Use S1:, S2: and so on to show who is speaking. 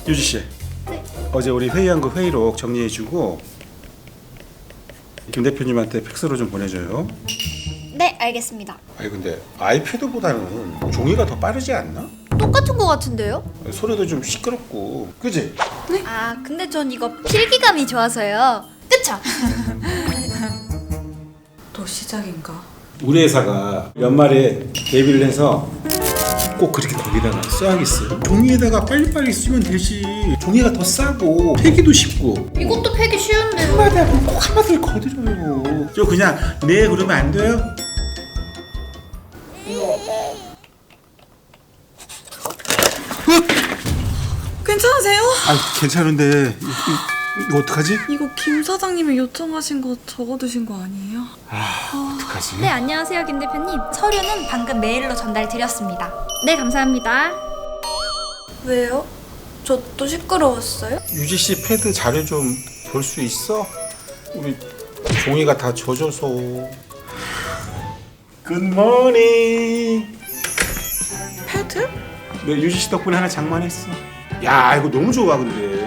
S1: 유지 씨.
S2: 네.
S1: 어제 우리 회의한 거 회의록 정리해주고 김 대표님한테 팩스로 좀 보내줘요.
S2: 네, 알겠습니다.
S1: 아니 근데 아이패드보다는 종이가 더 빠르지 않나?
S2: 똑같은 거 같은데요?
S1: 소리도 좀 시끄럽고, 그지?
S2: 아, 근데 전 이거 필기감이 좋아서요. 그쵸?
S3: 또 시작인가?
S1: 우리 회사가 연말에 데뷔를 해서 꼭 그렇게 거기다가 써야겠어요. 종이에다가 빨리빨리 쓰면 되지. 종이가 더 싸고 폐기도 쉽고.
S2: 이것도 패기 쉬운데요.
S1: 한마디 하면 꼭 한마디를 거드려요. 저 그냥 네 그러면 안 돼요?
S3: 괜찮으세요?
S1: 아 괜찮은데 이거 어떡하지?
S3: 이거 김 사장님이 요청하신 거 적어두신 거 아니에요?
S1: 어떡하지?
S2: 네, 안녕하세요, 김 대표님. 서류는 방금 메일로 전달드렸습니다. 네, 감사합니다.
S3: 왜요? 저 또 시끄러웠어요?
S1: 유지 씨 패드 자료 좀 볼 수 있어? 우리 종이가 다 젖어서. 굿모닝.
S3: 패드?
S1: 내 유지 씨 덕분에 하나 장만했어. 야 이거 너무 좋아 근데.